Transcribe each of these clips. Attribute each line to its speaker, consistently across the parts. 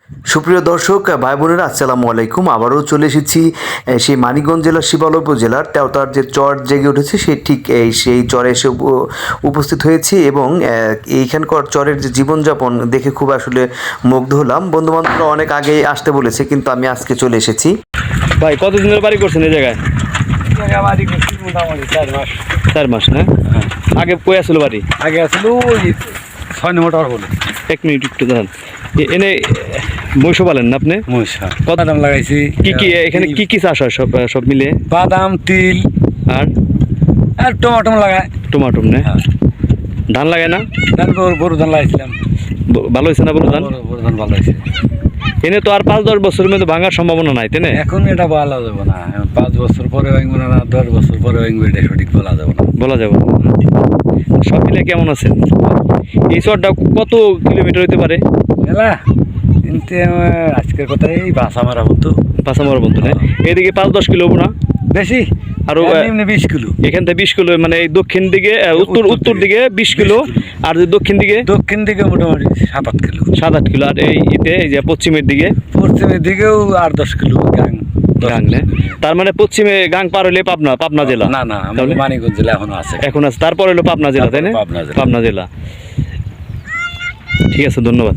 Speaker 1: সুপ্রিয় দর্শক ভাই বোনেরা, আসসালামু আলাইকুম। আবারও চলে এসেছি সেই মানিকগঞ্জ জেলার শিবালয় উপজেলার তেওতার যে চর জেগে উঠেছে ঠিক সেই চরে এসে উপস্থিত হয়েছি এবং এইখানকার চরের যে জীবনযাপন দেখে খুব আসলে মুগ্ধ হলাম। বন্ধুবান্ধবরা অনেক আগেই আসতে বলেছে, কিন্তু আমি আজকে চলে এসেছি।
Speaker 2: ভাই কতদিনের বাড়ি করছেন এই জায়গায়?
Speaker 3: মোটামুটি 4 মাস।
Speaker 2: 4 মাস না? আগে কই আসলো বাড়ি?
Speaker 3: আগে আসলো 6 নম্বর টাওয়ার বলে।
Speaker 2: 1 মিনিট একটু দাঁড়ান। এনে মহিষ পালেন না আপনি?
Speaker 3: মহিষা বাদাম লাগাইছি।
Speaker 2: কি এখানে কি চাষ হয় সব মিলে?
Speaker 3: বাদাম, তিল
Speaker 2: আর
Speaker 3: টমাটো লাগায়।
Speaker 2: টমাটো না? ধান লাগায় না?
Speaker 3: ধান বড় ধান লাগাইছিলাম।
Speaker 2: ভালো হয়েছে না বড় ধান?
Speaker 3: বড় ধান ভালো হয়েছে।
Speaker 2: এনে তো আর 5-10 বছরের মধ্যে ভাঙার সম্ভাবনা নাই, তাই না?
Speaker 3: এখন এটা বলা যাবে না, 5 বছর পরে ভাঙবে না, 10 বছর পরে ভাঙবে, এটা সঠিক বলা যাবে না।
Speaker 2: বলা যাবে না। সব মিলে কেমন আছেন? এই চরটা কত কিলোমিটার হইতে পারে?
Speaker 3: এলা কিন্তু আজকের কথা এই বাসা মারা হতো।
Speaker 2: বাসা মারা বন্ধু না? এদিকে 5-10 কিলো না
Speaker 3: বেশি,
Speaker 2: আরো
Speaker 3: 20 কিলো।
Speaker 2: এখান থেকে 20 কিলো, মানে এই দক্ষিণ দিকে উত্তর দিকে 20 কিলো, আর দক্ষিণ দিকে
Speaker 3: মোটামুটি 7-8 কিলো।
Speaker 2: 7-8 কিলো। আর এই যে পশ্চিমের
Speaker 3: দিকেও 8-10 কিলো গাং।
Speaker 2: তার মানে পশ্চিমে গাং পার হলে পাবনা জেলা?
Speaker 3: না, আমাদের মানিকগঞ্জ জেলা এখনো আছে।
Speaker 2: তারপর হলো পাবনা জেলা, তাই না? পাবনা জেলা। ঠিক আছে, ধন্যবাদ।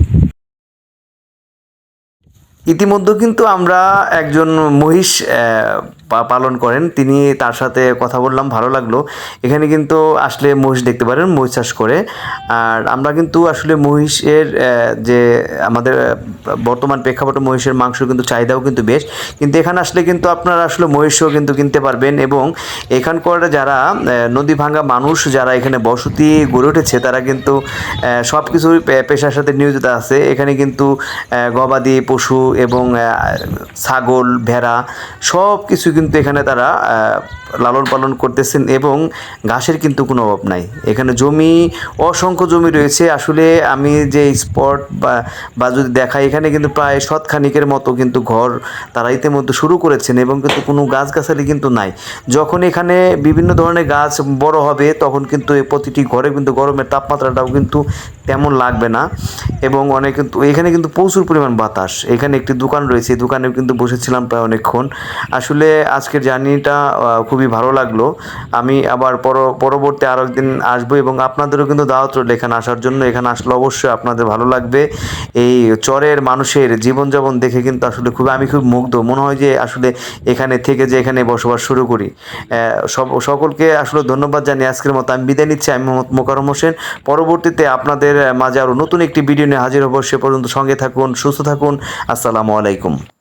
Speaker 1: ইতিমধ্যে কিন্তু আমরা একজন মহিষ পালন করেন, তার সাথে কথা বললাম, ভালো লাগলো। এখানে কিন্তু আসলে মহিষ দেখতে পারেন, মহিষ চাষ করে। আর আমরা কিন্তু আসলে মহিষের যে আমাদের বর্তমান প্রেক্ষাপটে মহিষের মাংস কিন্তু চাহিদাও কিন্তু বেশ, কিন্তু এখানে আসলে কিন্তু আপনারা আসলে মহিষও কিন্তু কিনতে পারবেন। এবং এখানকার যারা নদী ভাঙ্গা মানুষ, যারা এখানে বসতি গড়ে উঠেছে, তারা কিন্তু সব কিছুই পেশার সাথে নিয়োজিত আছে। এখানে কিন্তু গবাদি পশু এবং ছাগল, ভেড়া সব কিছু কিন্তু এখানে তারা লালন পালন করতেছেন এবং ঘাসের কিন্তু কোনো অভাব নাই। এখানে অসংখ্য জমি রয়েছে। আসলে আমি যে স্পট বা যদি দেখাই, এখানে কিন্তু প্রায় শতখানিকের মতো কিন্তু ঘর তারা ইতিমধ্যে শুরু করেছেন এবং কিন্তু কোনো গাছগাছালি কিন্তু নাই। যখন এখানে বিভিন্ন ধরনের গাছ বড় হবে, তখন কিন্তু প্রতিটি ঘরে কিন্তু গরমের তাপমাত্রাটাও কিন্তু তেমন লাগবে না। এবং এখানে কিন্তু প্রচুর পরিমাণ বাতাস। এখানে একটি দোকান রয়েছে, এই দোকানে কিন্তু বসেছিলাম প্রায় অনেকক্ষণ। আসলে আজকের জার্নিটা খুবই ভালো লাগলো। আমি আবার পরবর্তী আরও একদিন আসবো এবং আপনাদেরও কিন্তু দাওয়াত রইল এখানে আসার জন্য। এখানে আসলে অবশ্যই আপনাদের ভালো লাগবে। এই চরের মানুষের জীবনযাপন দেখে কিন্তু আসলে আমি খুব মুগ্ধ। মনে হয় যে আসলে এখানে থেকে যে এখানে বসবাস শুরু করি। সকলকে আসলে ধন্যবাদ জানিয়ে আজকের মতো আমি বিদায় নিচ্ছি। আমি মোহাম্মদ মোকাররম হোসেন। পরবর্তীতে আপনাদের মাঝে আরও নতুন একটি ভিডিও নিয়ে হাজির হব। সে পর্যন্ত সঙ্গে থাকুন, সুস্থ থাকুন। আসসালামু আলাইকুম।